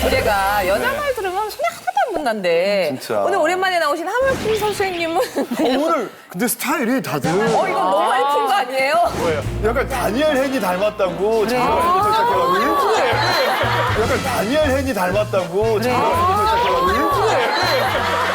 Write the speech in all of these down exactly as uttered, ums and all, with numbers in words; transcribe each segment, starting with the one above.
주제가 여자 말 들으면 손이 하나도 안 붙는데 진짜. 오늘 오랜만에 나오신 하물킴 선생님은 어, 오늘 근데 스타일이 다들 어 이거 너무 많이 푼 거 아니에요? 약간 다니엘 헨이 닮았다고 자기가 이렇게 시작해가지고 약간 다니엘 헨이 닮았다고 자기가 이렇게 시작해가지고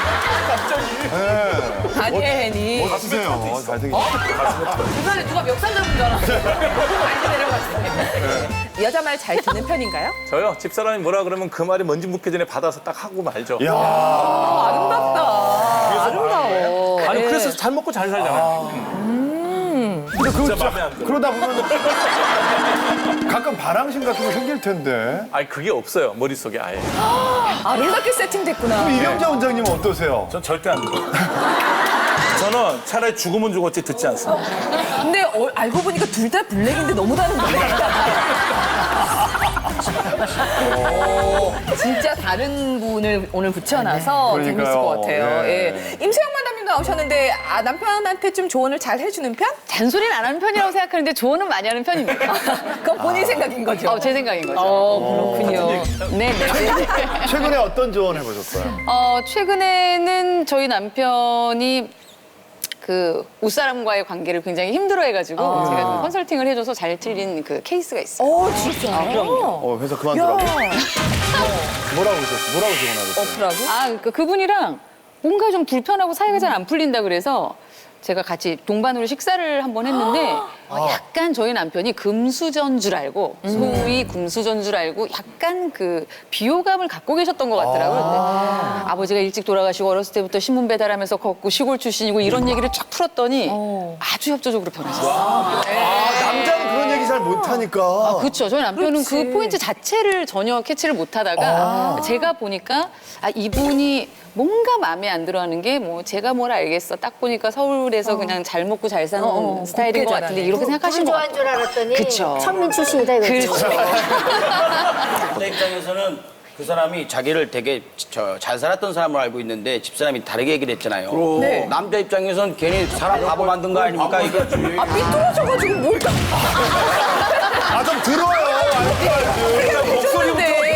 갑자기 다니엘 헨이 멋지세요. 잘생기셨어요. 중간에 누가 멱살 잡은 줄 알았어요. 많이 내려갔어요. 여자 말 잘 듣는 편인가요? 저요? 집사람이 뭐라 그러면 그 말이 뭔지 묻기 전에 받아서 딱 하고 말죠. 야 아, 아름답다. 아름다워. 아니 네. 그래서 잘 먹고 잘 살잖아요. 근데 그거 진짜 마음에 안 들어요. 그러다 보면 가끔 바람심 같은 거 생길 텐데. 아니 그게 없어요. 머릿속에 아예. 아름답게 세팅됐구나. 이경자 원장님은 어떠세요? 전 절대 안 들어요. 저는 차라리 죽으면 죽었지 듣지 않습니다. 근데 어, 알고 보니까 둘 다 블랙인데 너무 다른데. 오, 진짜 다른 분을 오늘 붙여놔서 네. 재밌을 그러니까요. 것 같아요. 네. 예. 임수영 마담님도 나오셨는데 아, 남편한테 좀 조언을 잘 해주는 편? 잔소리는 안 하는 편이라고 생각하는데 조언은 많이 하는 편입니다. 그건 본인 생각인 거죠? 어, 제 생각인 거죠. 어, 그렇군요. 네, 네. 최근에 어떤 조언 해보셨어요? 어, 최근에는 저희 남편이 그 옷사람과의 관계를 굉장히 힘들어해가지고 제가 그 컨설팅을 해줘서 잘 틀린 그 케이스가 있어요. 어, 진짜? 어, 회사 그만두라고? 뭐라고 하셨어요? 뭐라고 조언하셨어요? 어프라고? 아, 그, 그분이랑 뭔가 좀 불편하고 사이가 잘 안 풀린다 그래서 제가 같이 동반으로 식사를 한번 했는데 어, 약간 저희 남편이 금수저인 줄 알고 소위 금수저인 줄 알고 약간 그 비호감을 갖고 계셨던 것 같더라고요. 근데 아버지가 일찍 돌아가시고 어렸을 때부터 신문 배달하면서 걷고 시골 출신이고 이런 얘기를 쫙 풀었더니 아주 협조적으로 변하셨어요. 아, 남자는 그런 얘기 잘 못하니까. 그렇죠. 저희 남편은 그 그렇지. 포인트 자체를 전혀 캐치를 못하다가 제가 보니까 아 이분이 뭔가 마음에 안 들어하는 게 뭐 제가 뭘 알겠어. 딱 보니까 서울에서 그냥 잘 먹고 잘 사는 어, 어, 스타일인 것 곱게 같은데 자라네. 이렇게 생각하시는 것 좋아한 같아요. 줄 알았더니 그쵸. 천민 출신이다 이거죠. 그렇죠. 내 입장에서는 그 사람이 자기를 되게 저, 잘 살았던 사람으로 알고 있는데 집사람이 다르게 얘기를 했잖아요. 네. 남자 입장에서는 괜히 사람 바보 만든 거 아닙니까? 이거 아, 삐뚤어져가지고 뭘 다. 아, 좀 들어요. 목소리부터.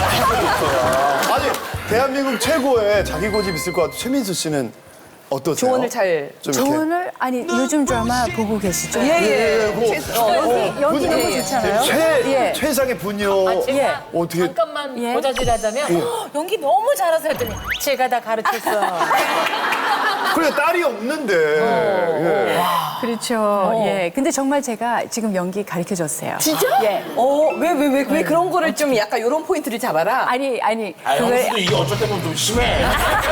아니, 대한민국 최고의 자기 고집 있을 것 같아요. 최민수 씨는 어떠세요? 조언을 잘. 좀 이렇게. 조언을 아니 요즘 드라마 보고 계시죠? 예, 예. 뭐, 최- 어, 연기 연기 너무 예. 좋잖아요. 최, 예. 최상의 분녀. 예. 어떻게. 잠깐만 예. 고자질하자면 어, 연기 너무 잘하세요 했더니 제가 다 가르쳤어. 그래, 딸이 없는데. 예. 그렇죠. 예. 근데 정말 제가 지금 연기 가르쳐 줬어요. 진짜? 예. 어, 왜, 왜, 왜, 왜 그런 거를 좀 약간 이런 포인트를 잡아라? 아니 아니 아, 그걸 형수도 이게 어쩔 때 보면 좀 심해.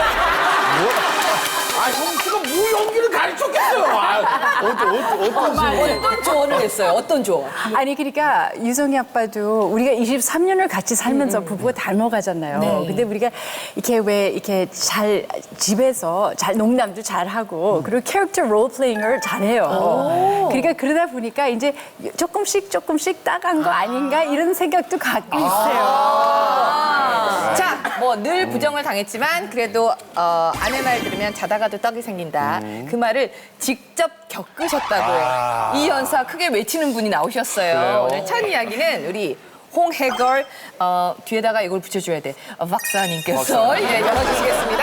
아, 형수가 뭐 연기를 가르쳤겠어요. 아, 어떤, 어떤, 어떤 식으로. 어떤 조언을 했어요? 어떤 조언? 아니 그러니까 유성이 아빠도 우리가 이십삼 년을 같이 살면서 부부가 닮아가잖아요. 근데 우리가 이렇게 왜 이렇게 잘 집에서 잘 농담도 잘 하고 그리고 캐릭터 롤 플레잉을 잘해요. 그러니까 그러다 보니까 이제 조금씩 조금씩 따간 거 아닌가 이런 생각도 갖고 있어요. 자, 뭐 늘 부정을 당했지만 그래도 어, 아내 말 들으면 자다가도 떡이 생긴다. 그 말을 직접 겪으셨다고요. 이 연사 크게 외치는 분이 나오셨어요. 오늘 첫 이야기는 우리 홍해걸 어, 뒤에다가 이걸 붙여줘야 돼. 어, 박사님께서 예, 열어주시겠습니다.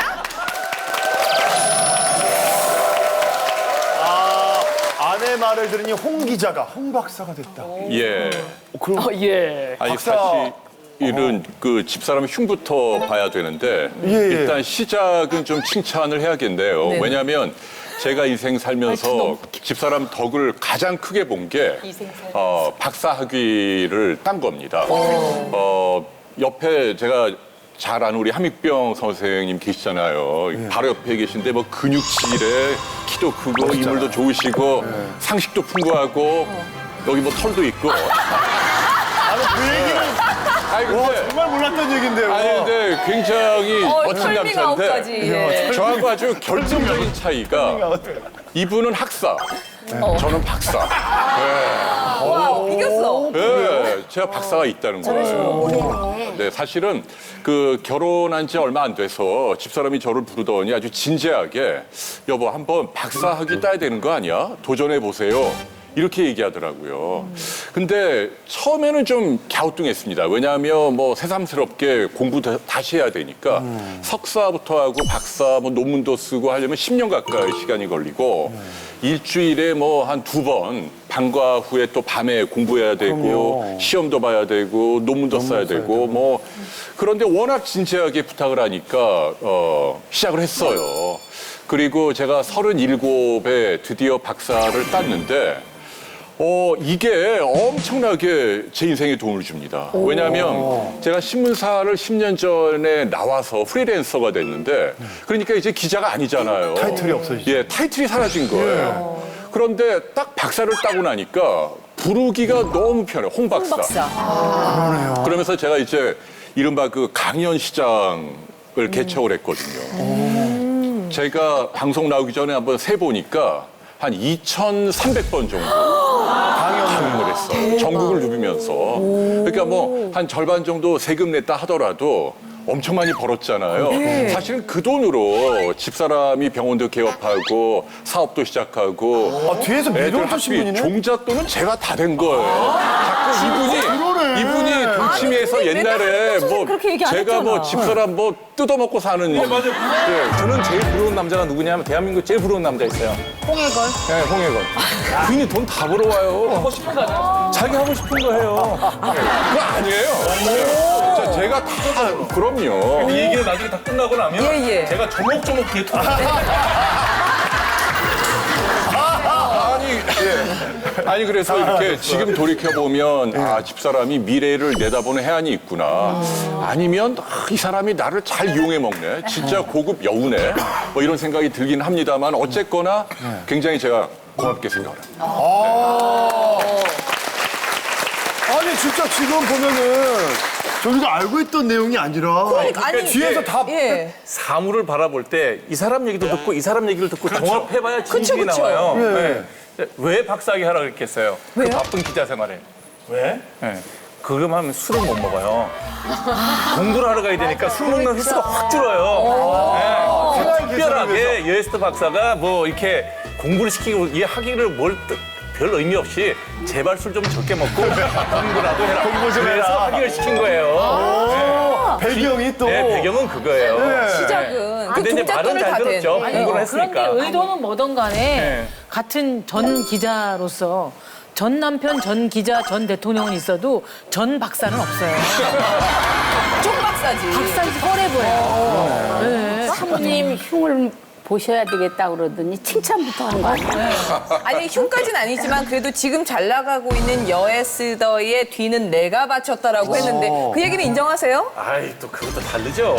아, 아내 말을 들으니 홍 기자가 홍 박사가 됐다. 예. 그럼 아니 박사. 사실은 그 집사람 흉부터 봐야 되는데 예, 예. 일단 시작은 좀 칭찬을 해야겠네요. 네. 왜냐하면 제가 인생 살면서 집사람 덕을 가장 크게 본 게 어, 박사 학위를 딴 겁니다. 어, 옆에 제가 잘 아는 우리 함익병 선생님 계시잖아요. 바로 옆에 계신데 뭐 근육질에 키도 크고 인물도 좋으시고 상식도 풍부하고 여기 뭐 털도 있고. 아니, 그 얘기는 아니 와, 근데 정말 몰랐던 얘기인데요. 아니 근데 굉장히 어, 멋진 털밍 아웃까지. 남자인데 예. 저하고 아주 결정적인 차이가 이분은 학사, 저는 박사. 와, 이겼어. 네, 제가 박사가 있다는 거예요. 네, 사실은 그 결혼한 지 얼마 안 돼서 집사람이 저를 부르더니 아주 진지하게 여보 한번 박사 학위 따야 되는 거 아니야? 도전해 보세요. 이렇게 얘기하더라고요. 근데 처음에는 좀 갸우뚱했습니다. 왜냐하면 뭐 새삼스럽게 공부 다- 다시 해야 되니까 석사부터 하고 박사 뭐 논문도 쓰고 하려면 십 년 가까이 시간이 걸리고 일주일에 뭐 한 두 번 방과 후에 또 밤에 공부해야 되고 시험도 봐야 되고 논문도 써야 되고 뭐 그런데 워낙 진지하게 부탁을 하니까 어, 시작을 했어요. 그리고 제가 서른일곱에 드디어 박사를 땄는데 어, 이게 엄청나게 제 인생에 도움을 줍니다. 왜냐하면 제가 신문사를 십 년 전에 나와서 프리랜서가 됐는데 그러니까 이제 기자가 아니잖아요. 타이틀이 없어지죠. 예, 타이틀이 사라진 거예요. 그런데 딱 박사를 따고 나니까 부르기가 너무 편해요. 홍 박사. 박사. 그러면서 제가 이제 이른바 그 강연 시장을 개척을 했거든요. 제가 방송 나오기 전에 한번 세보니까 한 이천삼백 번 정도 강연을 했어. 전국을 누비면서. 그러니까 뭐 한 절반 정도 세금 냈다 하더라도 엄청 많이 벌었잖아요. 사실은 그 돈으로 집사람이 병원도 개업하고 사업도 시작하고 아, 뒤에서 애들 밀어주신 학비, 분이네? 종잣돈은 제가 다 된 거예요. 자꾸 이분이 그러네. 이분이 동치미에서 옛날에 뭐 그렇게 얘기 안 제가 뭐 했잖아. 집사람 뭐 뜯어먹고 사는 맞아요. 예, 저는 제일 부러운 남자가 누구냐면 대한민국 제일 부러운 남자 있어요. 홍해걸. 네, 홍해건. 괜히 돈 다 벌어와요. 하고 싶은 거 아니야? 자기 하고 싶은 거 해요. 그거 아니에요. 자, 제가 다 그럼요. 이 얘기를 나중에 다 끝나고 나면 예, 예. 제가 조목조목 뒤에 통 아니, 예. 아니 그래서 이렇게 지금 돌이켜 보면 아 집사람이 미래를 내다보는 해안이 있구나. 아니면 아, 이 사람이 나를 잘 이용해 먹네. 진짜 고급 여우네. 뭐 이런 생각이 들긴 합니다만 어쨌거나 굉장히 제가 고맙게 생각합니다. 아니 진짜 지금 보면은 저희가 알고 있던 내용이 아니라 아니, 뒤에서 다 예. 사물을 바라볼 때 이 사람 얘기도 듣고 이 사람 얘기를 듣고 종합해봐야 진실이 그쵸, 그쵸. 나와요. 예. 네. 왜 박사학위 하라 그랬겠어요? 그 바쁜 기자 생활에. 왜? 네. 그거만 하면 술을 못 먹어요. 공부를 하러 가야 되니까 술 먹는 횟수가 확 줄어요. 네. 특별하게 여에스터 박사가 뭐 이렇게 공부를 시키고 이 학위를 뭘 뜻- 별 의미 없이 제발 술 좀 적게 먹고 공부라도 해라. 공부 좀 그래서 해라. 학위를 시킨 거예요. 배경이 또 네, 배경은 그거예요. 시작은. 그 근데 이제 말은 종잣돈을 잘 다 댄. 들었죠. 아니, 공부를 어, 했으니까. 그런데 의도는 뭐든 간에 네. 같은 전 기자로서 전 남편, 전 기자, 전 대통령은 있어도 전 박사는 없어요. 총 박사지. 박사는 헐해 보여요. 네. 사모님 흉을 보셔야 되겠다 그러더니 칭찬부터 하는 거 아니에요? 아니 흉까지는 아니지만 그래도 지금 잘 나가고 있는 여에스더의 뒤는 내가 바쳤다라고 했는데 그 얘기는 인정하세요? 아이, 또 그것도 다르죠.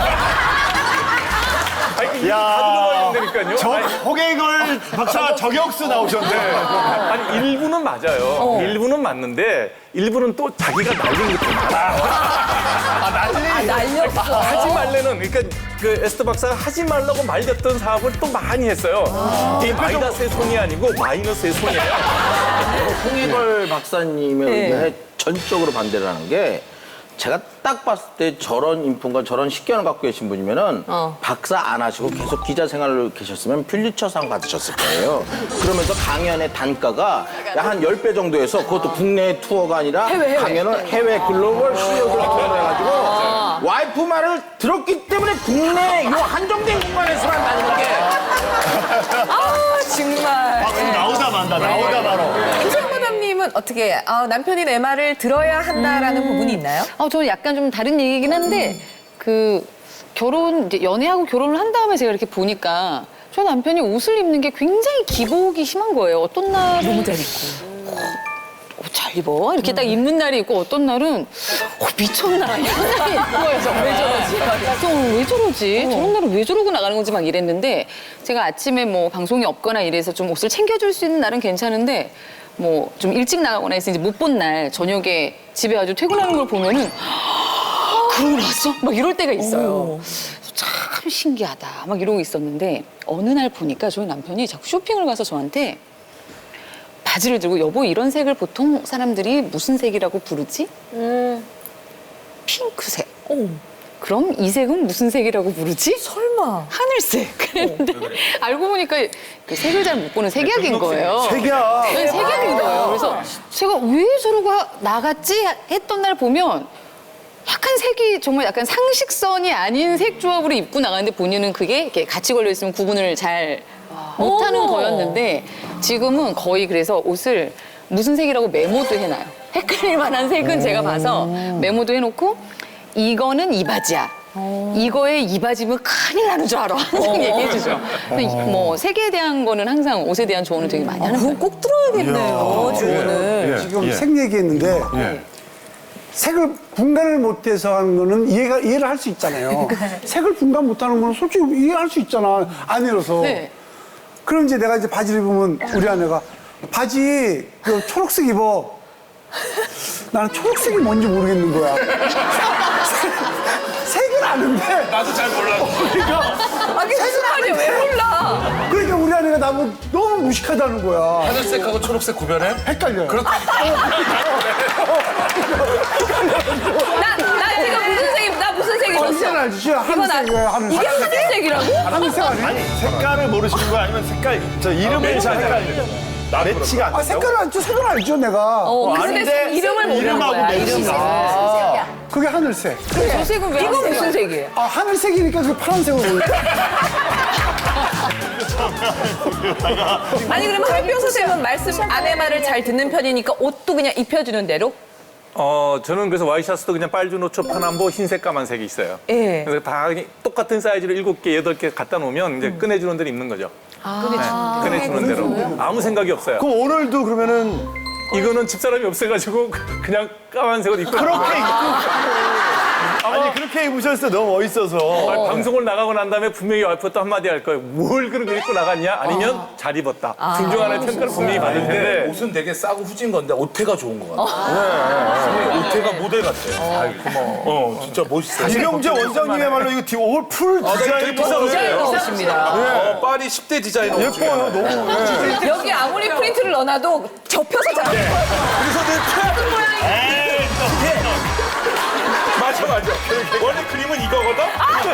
아니, 이게 다 들어봐야 된다니까요. 저 아니, 홍해걸 박사 저격수 나오셨네. 아니, 일부는 맞아요. 일부는 맞는데, 일부는 또 자기가 날린 것도 많아. 날렸어. 하지 말래는, 그러니까 그 에스더 박사가 하지 말라고 말렸던 사업을 또 많이 했어요. 이게 마이너스의 손이 아니고 마이너스의 손이에요. 홍해걸 박사님의 의견에 전적으로 반대를 하는 게 제가 딱 봤을 때 저런 인품과 저런 식견을 갖고 계신 분이면은 박사 안 하시고 계속 기자 생활을 계셨으면 퓰리처상 받으셨을 거예요. 그러면서 강연의 단가가 한 십 배 정도 해서 그것도 국내 투어가 아니라 강연을 해외 글로벌 씨이오들 투어로 해가지고 와이프 말을 들었기 때문에 국내 요 한정된 공간에서만 다니는 게 아 정말. 박수 나오다 만다. 나오다 바로. 김상무담님은 어떻게 아, 남편이 내 말을 들어야 한다라는 부분이 있나요? 어, 저는 약간 좀 다른 얘기긴 한데 그 결혼 이제 연애하고 결혼을 한 다음에 제가 이렇게 보니까 저 남편이 옷을 입는 게 굉장히 기복이 심한 거예요. 어떤 날은 너무 잘 입고. 어, 잘 입어 이렇게 딱 입는 날이 있고 어떤 날은 어, 미쳤나 이런 날이 있는 거예요. 왜 저러지? 어, 왜 저러지? 저런 날은 왜 저러고 나가는 건지 막 이랬는데 제가 아침에 뭐 방송이 없거나 이래서 좀 옷을 챙겨줄 수 있는 날은 괜찮은데 뭐 좀 일찍 나가거나 해서 이제 못 본 날 저녁에 집에 아주 퇴근하는 걸 보면은 그러고 나왔어? 막 이럴 때가 있어요. 참 신기하다 막 이러고 있었는데 어느 날 보니까 저희 남편이 자꾸 쇼핑을 가서 저한테 바지를 들고 여보 이런 색을 보통 사람들이 무슨 색이라고 부르지? 핑크색. 그럼 이 색은 무슨 색이라고 부르지? 설마. 하늘색. 그랬는데 알고 보니까 그 색을 잘 못 보는 색약인 거예요. 색이야. 네, 색약인 거예요. 그래서 제가 왜 저러고 나갔지 했던 날 보면 약간 색이 정말 약간 상식선이 아닌 색 조합으로 입고 나가는데 본인은 그게 이렇게 같이 걸려 있으면 구분을 잘 못하는 어머. 거였는데 지금은 거의 그래서 옷을 무슨 색이라고 메모도 해놔요. 헷갈릴 만한 색은 제가 봐서 메모도 해놓고 이거는 이 바지야. 이거에 이 바지면 큰일 나는 줄 알아. 항상 얘기해주죠. 근데 뭐 색에 대한 거는 항상 옷에 대한 조언을 되게 많이 하는 그건 거예요. 꼭 들어야겠네요, 조언을. 지금 예. 색 얘기했는데 색을 분간을 못해서 하는 거는 이해가 이해를 할 수 있잖아요. 색을 분간 못하는 거는 솔직히 이해할 수 있잖아. 안 일어서. 네. 그럼 이제 내가 이제 바지를 입으면 우리 아내가 바지 그 초록색 입어. 나는 초록색이 뭔지 모르겠는 거야. 색은 아는데. 나도 잘 몰라. 그러니까 아니, 무슨 말이야, 왜 몰라? 그러니까 우리 아내가 나보고 너무 무식하다는 거야. 하늘색하고 초록색 구별해? 헷갈려요. 그렇다. 나, 나 지금 무슨 색, 입- 나 무슨 색 어, 입었어? 이건 알지? 이거 나, 하늘색이에요, 하늘색. 이게 하늘색이라고? 하늘색 아니야? 색깔을 모르시는 거야? 아니면 색깔, 저 이름을 잘 헷갈려요? 매치가 안 돼. 아, 색깔을 알죠? 색을 알죠, 내가. 어, 근데 색 이름을 모르는 거야, 이름을. 아, 그게 하늘색. 저 색은 왜 이거 무슨 색이에요? 아, 하늘색이니까 그 파란색으로 보여. 아니, 그러면 한병 선생님은 말씀, 아내 말을 잘 듣는 편이니까 옷도 그냥 입혀주는 대로? 어, 저는 그래서 와이셔츠도 그냥 빨주, 노초, 파남보, 흰색, 까만색이 있어요. 예. 그래서 다 똑같은 사이즈로 일곱 개, 여덟 개 갖다 놓으면 이제 꺼내주는 대로 입는 거죠. 아, 꺼내주는 대로. 아무 생각이 없어요. 그럼 오늘도 그러면은 이거는 집사람이 없어가지고 그냥 까만색으로 입고. 그렇게 입고. 아니, 그렇게 입으셨을 때 너무 멋있어서. 아니, 방송을 나가고 난 다음에 분명히 와이프가 또 한마디 할 거예요. 뭘 그렇게 입고 나갔냐? 아니면 잘 입었다. 둘 중 하나의 평가를 분명히 받을 텐데. 옷은 되게 싸고 후진 건데 옷태가 좋은 것 같아. 네. 옷태가 모델 같아요. 아이, 고마워. 어, 진짜 멋있어. 이경재 원장님의말로 이거 디- 옷 풀 디자인 디자이너 옷입니다. 어, 파리 십 대 디자이너. 예뻐요, 너무. 예. 여기 아무리 프린트를 넣어놔도 접혀서 잘. 그래서 내 최악은 모양이. 맞아, 맞아. 원래 그림은 이거거든?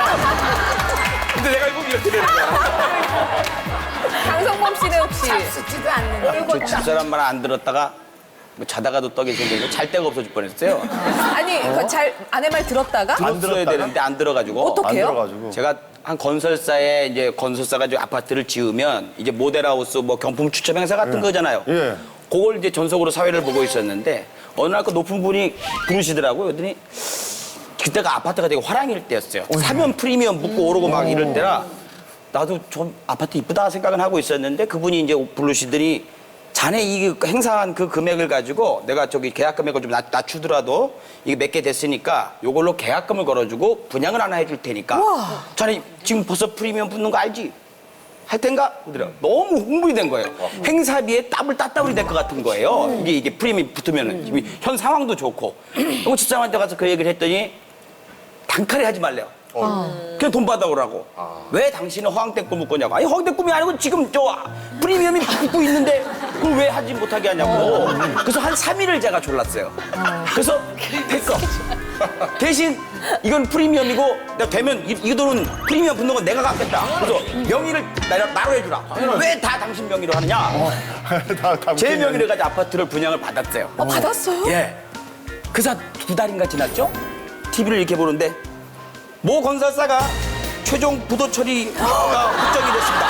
근데 내가 입으면 이렇게 되는 거야. 강성범 씨는 혹시 쓰지도 않는 저 집사람 말 안 들었다가 뭐 자다가도 떡이 생기고 잘 데가 없어질 뻔했어요. 아니 그 잘 아내 말 들었다가 안 들어야 되는데 안 들어가지고. 어떡해요? 안 들어가지고. 제가 한 건설사에 이제 건설사가 이제 아파트를 지으면 이제 모델하우스 뭐 경품 추첨 행사 같은 거잖아요. 예. 그걸 이제 전속으로 사회를 보고 있었는데 어느 날 그 높은 분이 부르시더라고요. 그랬더니 그때가 아파트가 되게 화랑일 때였어요. 사면 프리미엄 붙고 오르고 막 이럴 때라 나도 좀 아파트 이쁘다 생각은 하고 있었는데 그분이 이제 부르시더니 자네 이 행사한 그 금액을 가지고 내가 저기 계약 금액을 좀 낮, 낮추더라도 이게 몇 개 됐으니까 요걸로 계약금을 걸어주고 분양을 하나 해줄 테니까 자네 지금 벌써 프리미엄 붙는 거 알지? 할 텐가? 그러더라고요. 너무 흥분이 된 거예요. 행사비에 따블 따따블이 될 것 같은 거예요. 이게 이게 프리미엄 붙으면은 지금 현 상황도 좋고. 그리고 집사람한테 가서 그 얘기를 했더니 단칼에 하지 말래요. 그냥 돈 받아오라고. 왜 당신은 허황된 꿈을 꾸냐고. 아니 허황된 꿈이 아니고 지금 저 프리미엄이 붙고 있는데 그걸 왜 하지 못하게 하냐고. 그래서 한 삼 일을 제가 졸랐어요. 그래서 됐어. 대신 이건 프리미엄이고 내가 되면 이, 이 돈은 프리미엄 붙는 건 내가 갚겠다. 그래서 명의를 나, 나로 해주라. 왜 다 당신 명의로 하느냐. 다 당신 제 명의로 가지고 아파트를 분양을 받았어요. 어, 받았어요? 예. 그래서 두 달인가 지났죠? 티비를 이렇게 보는데 모 건설사가 최종 부도 처리가 확정이 됐습니다.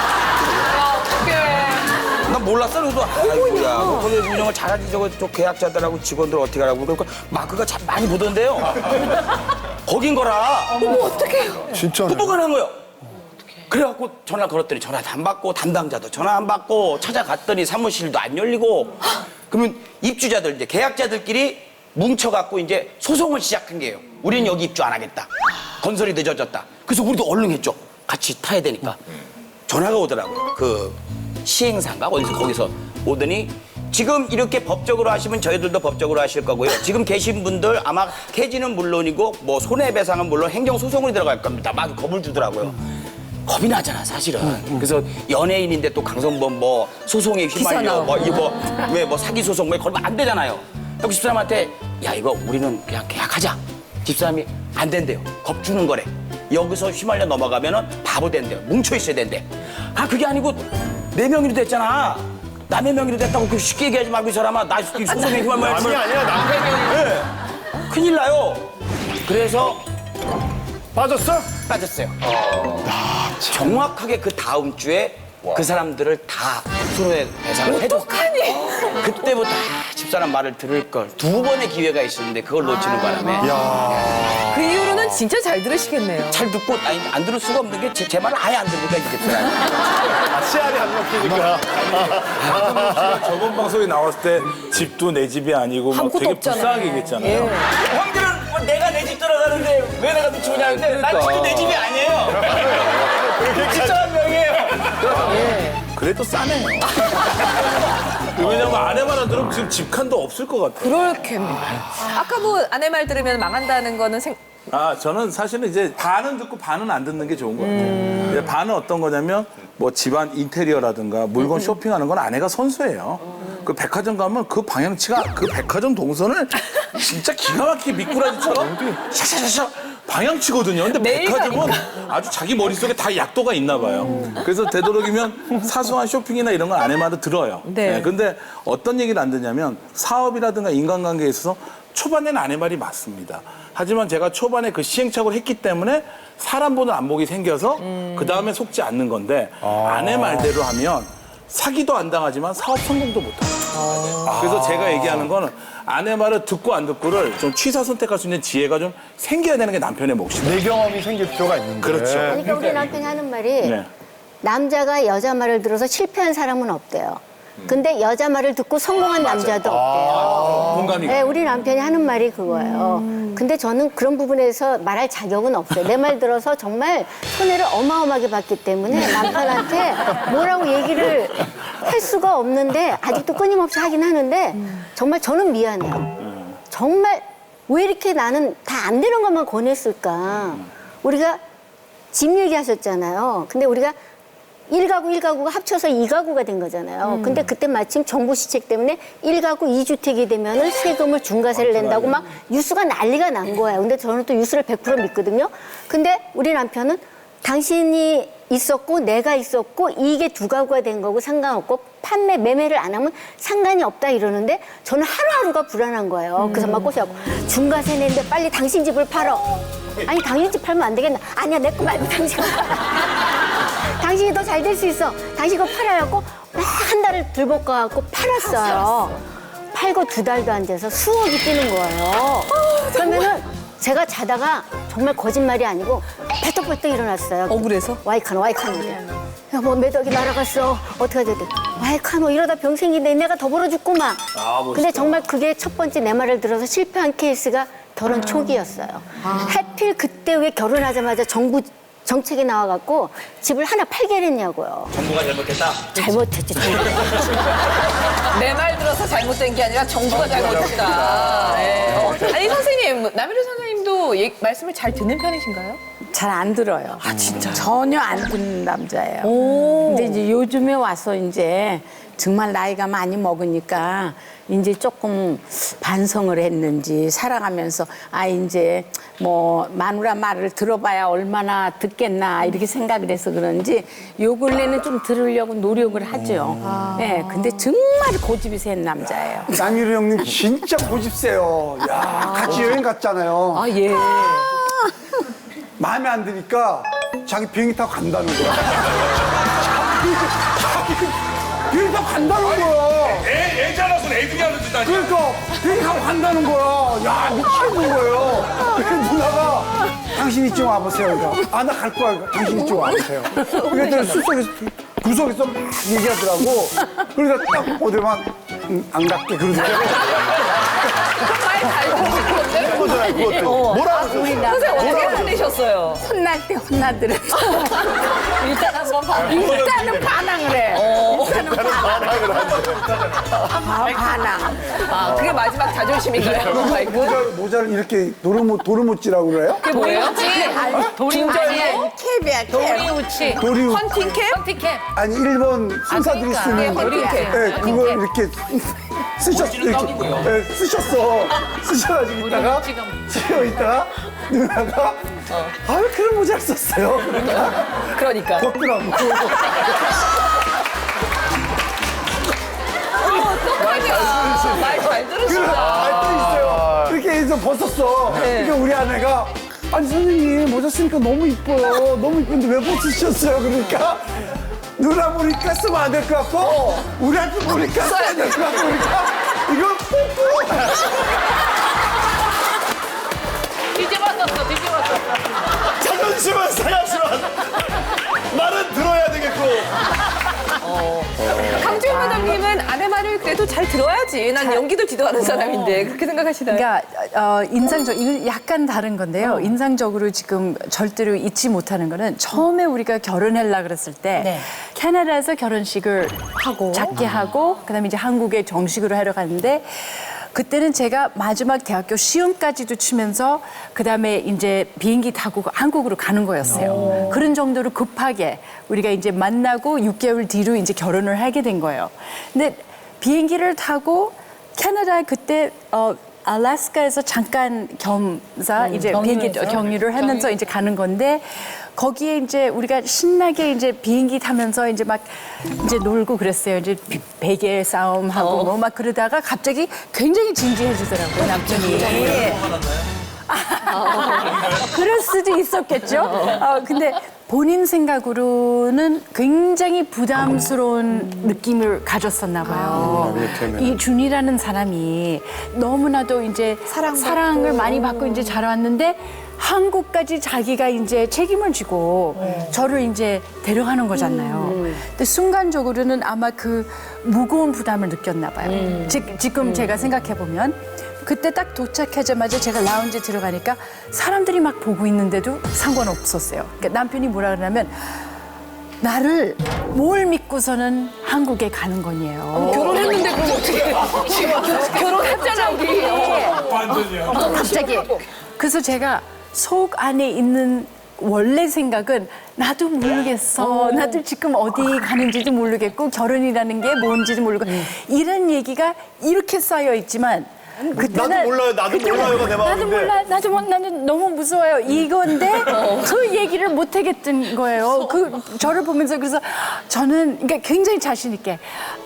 난 몰랐어. 그래서 아이고야, 뭐 거기 운영을 잘하지 저거 저 계약자들하고 직원들 어떻게 하라고 그러니까 마크가 참 많이 보던데요. 거긴 거라. 어머 어떡해요? 진짜. 후보가 난 거예요. 그래갖고 전화 걸었더니 전화도 안 받고 담당자도 전화 안 받고 찾아갔더니 사무실도 안 열리고 그러면 입주자들 이제 계약자들끼리 뭉쳐갖고 이제 소송을 시작한 게요. 우리는 여기 입주 안 하겠다. 건설이 늦어졌다. 그래서 우리도 얼른 했죠. 같이 타야 되니까. 전화가 오더라고요. 그 시행사인가 어디서 거기서 오더니 지금 이렇게 법적으로 하시면 저희들도 법적으로 하실 거고요. 지금 계신 분들 아마 폐지는 물론이고 뭐 손해배상은 물론 행정소송으로 들어갈 겁니다. 막 겁을 주더라고요. 겁이 나잖아 사실은. 그래서 연예인인데 또 강성범 뭐 소송에 휘말려 뭐 이거 왜 뭐 사기 소송 뭐 걸면 안 되잖아요. 그래서 집사람한테 야 이거 우리는 그냥 계약하자. 집사람이 안 된대요. 겁주는 거래. 여기서 휘말려 넘어가면은 바보 된대. 뭉쳐 있어야 된대. 아 그게 아니고 내 명의로 됐잖아. 남의 명의로 됐다고 그 쉽게 얘기하지 말고 이 사람아. 나 소송에 휘말려. 아니 아니야 남편 명의. 네. 큰일 나요. 그래서 빠졌어? 빠졌어요. 정확하게 그 다음 주에 그 사람들을 다 손해배상을 해줬어요. 그때부터 아, 집사람 말을 들을 걸. 두 번의 기회가 있었는데 그걸 놓치는 바람에 그 이후로는 진짜 잘 들으시겠네요. 잘 듣고 아니 안 들을 수가 없는 게 제 말을 아예 안 들으니까 이 집사람이. 아, 씨알이 안 먹히니까. 저번 방송에 나왔을 때 집도 내 집이 아니고 막 아무것도 되게 없잖아요. 불쌍하게 얘기했잖아요. 형들은 뭐 내가 내 집 들어가는데 왜 내가 미치고 하는데 난 집도 내 집이 아니에요. 집사람 명이에요. 그래도 싸네요. 왜냐면 아내만 안 들으면 지금 집칸도 없을 것 같아요. 그렇겠네요. 아까 뭐 아내 말 들으면 망한다는 거는 생... 아, 저는 사실은 이제 반은 듣고 반은 안 듣는 게 좋은 것 같아요. 이제 반은 어떤 거냐면 뭐 집안 인테리어라든가 물건 쇼핑하는 건 아내가 선수예요. 그 백화점 가면 그 방향치가 그 백화점 동선을 진짜 기가 막히게 미꾸라지처럼 샤샤샤샤 방향치거든요. 근데 백화점은 아주 자기 머릿속에 다 약도가 있나 봐요. 그래서 되도록이면 사소한 쇼핑이나 이런 건 아내 말을 들어요. 네. 네, 근데 어떤 얘기를 안 듣냐면 사업이라든가 인간관계에 있어서 초반에는 아내 말이 맞습니다. 하지만 제가 초반에 그 시행착오를 했기 때문에 사람 보는 안목이 생겨서 그 다음에 속지 않는 건데 아내 말대로 하면 사기도 안 당하지만 사업 성공도 못 합니다. 그래서 제가 얘기하는 거는 아내 말을 듣고 안 듣고를 좀 취사 선택할 수 있는 지혜가 좀 생겨야 되는 게 남편의 몫이다. 내 경험이 생길 필요가 있는데. 그렇죠. 그러니까 우리 남편이 하는 말이 네. 남자가 여자 말을 들어서 실패한 사람은 없대요. 근데 여자 말을 듣고 성공한 남자도 없대요. 공감이 네, 우리 남편이 하는 말이 그거예요. 근데 저는 그런 부분에서 말할 자격은 없어요. 내 말 들어서 정말 손해를 어마어마하게 봤기 때문에 남편한테 뭐라고 얘기를 할 수가 없는데 아직도 끊임없이 하긴 하는데 정말 저는 미안해요. 정말 왜 이렇게 나는 다 안 되는 것만 권했을까. 우리가 집 얘기하셨잖아요. 근데 우리가 일 가구 일 가구가 합쳐서 이 가구가 된 거잖아요. 음. 근데 그때 마침 정부 시책 때문에 일 가구 이 주택이 되면은 세금을 중과세를 낸다고 막 뉴스가 난리가 난 거예요. 근데 저는 또 뉴스를 백 퍼센트 믿거든요. 근데 우리 남편은 당신이 있었고 내가 있었고 이게 두 가구가 된 거고 상관없고 판매 매매를 안 하면 상관이 없다 이러는데 저는 하루하루가 불안한 거예요. 그래서 막 꼬셔갖고 중과세 내는데 빨리 당신 집을 팔어. 아니 당신 집 팔면 안 되겠나? 아니야 내 거 말고 당신 거 팔아. 당신이 더 잘 될 수 있어. 당신 거 팔아갖고 막 한 달을 들볶아갖고 팔았어요. 팔고 두 달도 안 돼서 수억이 뛰는 거예요. 그러면은 제가 자다가 정말 거짓말이 아니고 벌떡벌떡 일어났어요. 어, 그래서? 와이카노 와이카노. 야, 뭐 매덕이 날아갔어. 어떻게 해야 돼? 와이카노 이러다 병 생긴데 내가 더 벌어 죽구만. 근데 정말 그게 첫 번째 내 말을 들어서 실패한 케이스가 결혼 초기였어요. 하필 그때 왜 결혼하자마자 정부 정책이 나와갖고 집을 하나 팔게 했냐고요. 정부가 잘못했다. 잘못했지. 내 말 들어서 잘못된 게 아니라 정부가 잘못했다. 네. 아니 선생님, 남일우 선생님도 얘- 말씀을 잘 듣는 편이신가요? 잘 안 들어요. 아 진짜. 전혀 안 듣는 남자예요. 근데 이제 요즘에 와서 이제 정말 나이가 많이 먹으니까 이제 조금 반성을 했는지 살아가면서 아 이제 뭐 마누라 말을 들어봐야 얼마나 듣겠나 이렇게 생각을 해서 그런지 요 근래는 좀 들으려고 노력을 하죠. 네, 근데 정말 고집이 센 남자예요. 남일우 형님 진짜 고집 세요. 야, 같이 여행 갔잖아요. 아 예. 마음에 안 드니까 자기 비행기 타고 간다는 거야. 비행기 타고 간다는 거야. 애, 애 잘라서 애들이 하는 짓 아니야? 그러니까 비행기 타고 간다는 거야. 야, 미치겠는 거예요. 그래서 누나가 당신 이쪽 와보세요. 그러니까 아, 나 갈 거야. 당신 이쪽 와보세요. 그랬더니 숲속에서 구석에서 막 얘기하더라고. 그러니까 딱 보더만 음, 안 갈게 그러더라고. 그거잖아요, 그것도. 뭐라고 선생님 어떻게 혼내셨어요? 혼날 때 혼나더라도 일단 한번 봐. 일단은 반항을 해. 일단은 반항. 아, 반항. 아 그게 마지막 자존심인가요? 마이크? 모자를, 모자를 이렇게 도르모, 도르모찌라고 그래요? 그게 뭐예요? 도리우치. 캡이야, 캡. 도리우치. 도리우. 헌팅캡? 헌팅캡. 아니 일본 순사들이 그러니까. 쓰는 네, 헌팅캡. 네, 그걸 이렇게 쓰셨 이렇게 네, 쓰셨어 쓰셔가지고 있다가 쓰여 있다가 누나가 아 왜 그런 모자를 썼어요? 그러니까 그러니까. 덥더라고. 말 잘 들으신다. 알도 있어요. 이렇게 해서 벗었어. 그러니까 우리 아내가 아니 선생님 모자 쓰니까 너무 이뻐요. 너무 이쁜데 왜 벗으셨어요? 그러니까 누나 보니까 쓰면 안 될 것 같고 우리한테 보니까 써야 될 것 같고 그러니까 이거 뽑고 뒤집어졌어, 뒤집어졌어. 자존심은 사야지만 말은 들어야 되겠고. 강주현 마담님은 아내 말을 그래도 잘 들어야지. 난 연기도 지도하는 사람인데 그렇게 생각하시나요? 그러니까 어, 인상적 이건 약간 다른 건데요. 인상적으로 지금 절대로 잊지 못하는 거는 처음에 우리가 결혼하려 그랬을 때 네. 캐나다에서 결혼식을 하고 작게 하고 그다음에 이제 한국에 정식으로 하러 갔는데 그때는 제가 마지막 대학교 시험까지도 치면서 그다음에 이제 비행기 타고 한국으로 가는 거였어요. 그런 정도로 급하게 우리가 이제 만나고 육 개월 뒤로 이제 결혼을 하게 된 거예요. 근데 비행기를 타고 캐나다에 그때 어 알래스카에서 잠깐 겸사 이제 비행기 경유를 하면서 이제 가는 건데 거기에 이제 우리가 신나게 이제 비행기 타면서 이제 막 이제 놀고 그랬어요. 이제 비- 베개 싸움하고 뭐 막 그러다가 갑자기 굉장히 진지해지더라고요, 남편이. 그럴 수도 있었겠죠. 어, 근데 본인 생각으로는 굉장히 부담스러운 느낌을 가졌었나 봐요. 이 준이라는 사람이 너무나도 이제 사랑을 많이 받고 이제 자라왔는데 한국까지 자기가 이제 책임을 지고 저를 이제 데려가는 거잖아요. 근데 순간적으로는 아마 그 무거운 부담을 느꼈나 봐요. 지, 지금 제가 생각해 보면 그때 딱 도착하자마자 제가 라운지 들어가니까 사람들이 막 보고 있는데도 상관없었어요. 그러니까 남편이 뭐라 그러냐면 나를 뭘 믿고서는 한국에 가는 거니에요. 결혼했는데 그럼 어떻게 지금 결혼했잖아 우리. 완전히요. 갑자기. 그래서 제가 속 안에 있는 원래 생각은 나도 모르겠어. 나도 지금 어디 가는지도 모르겠고 결혼이라는 게 뭔지도 모르고 이런 얘기가 이렇게 쌓여 있지만 그때는 나도 몰라요, 나도 그때는 몰라요가 내 나도 마음인데. 몰라, 나도 몰라, 나는 너무 무서워요. 이건데 그 얘기를 못 하겠던 거예요. 그 저를 보면서 그래서 저는 그러니까 굉장히 자신 있게.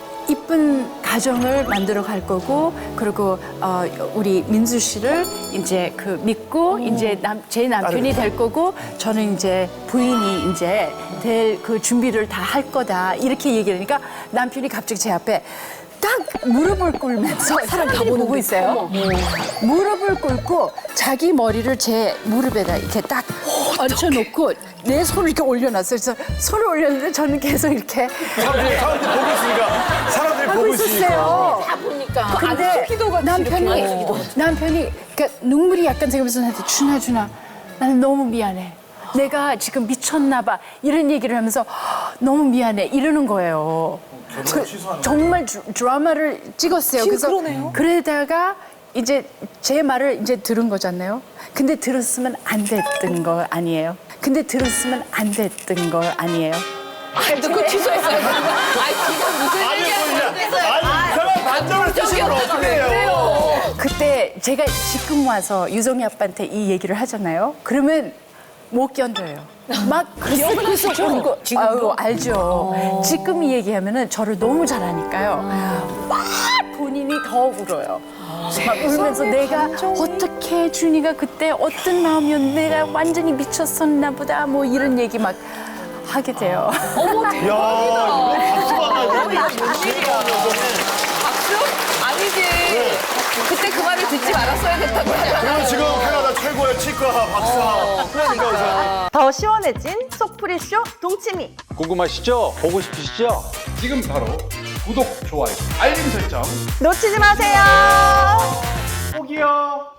이쁜 가정을 만들어 갈 거고 그리고 어, 우리 민수 씨를 이제 그 믿고 이제 남, 제 남편이 될 거고 저는 이제 부인이 이제 될 그 준비를 다 할 거다 이렇게 얘기하니까 남편이 갑자기 제 앞에 딱 무릎을 꿇으면서 사람들이 보고 있어요. 무릎을 꿇고 자기 머리를 제 무릎에다 이렇게 딱 얹혀놓고 내 손을 이렇게 올려놨어요. 그래서 손을 올렸는데 저는 계속 이렇게 사람들이, 사람들이 보고 있으니까. 사람들이 하고 보고 있으니까. 있었어요. 다 보니까. 근데 남편이 남편이 그러니까 눈물이 약간 새면서 나한테 준아 준아 나는 너무 미안해. 내가 지금 미쳤나 봐. 이런 얘기를 하면서 너무 미안해. 이러는 거예요. 그, 정말 드, 드라마를 찍었어요. 그래서 그러다가 이제 제 말을 이제 들은 거잖아요. 근데 들었으면 안 됐던 거 아니에요. 근데 들었으면 안 됐던 거 아니에요. 아니 그 취소했어요. 아니 지금 무슨 아니, 얘기하는 뭐, 거예요? 아니, 이 사람 반점을 쓰시면 어떻게 해요? 그때 제가 지금 와서 유정이 아빠한테 이 얘기를 하잖아요. 그러면 못 견뎌요. 막 그래서 울고 아유, 알죠. 지금 이 얘기하면은 저를 너무 잘하니까요. 막 본인이 더 울어요. 막 울면서 내가 어떻게 준이가 그때 어떤 마음이었는데 내가 완전히 미쳤었나 보다 뭐 이런 얘기 막 하게 돼요. 어머 야, 이거 박수 받아야 돼. 박수? 아니지. 그때 그 말을 듣지 말았어야 됐다고 그리고 하잖아요. 지금 캐나다 최고의 치과 박사. 그러니까 더 시원해진 속풀이쇼 동치미. 궁금하시죠? 보고 싶으시죠? 지금 바로 구독, 좋아요, 알림 설정. 놓치지 마세요. 꼭이요.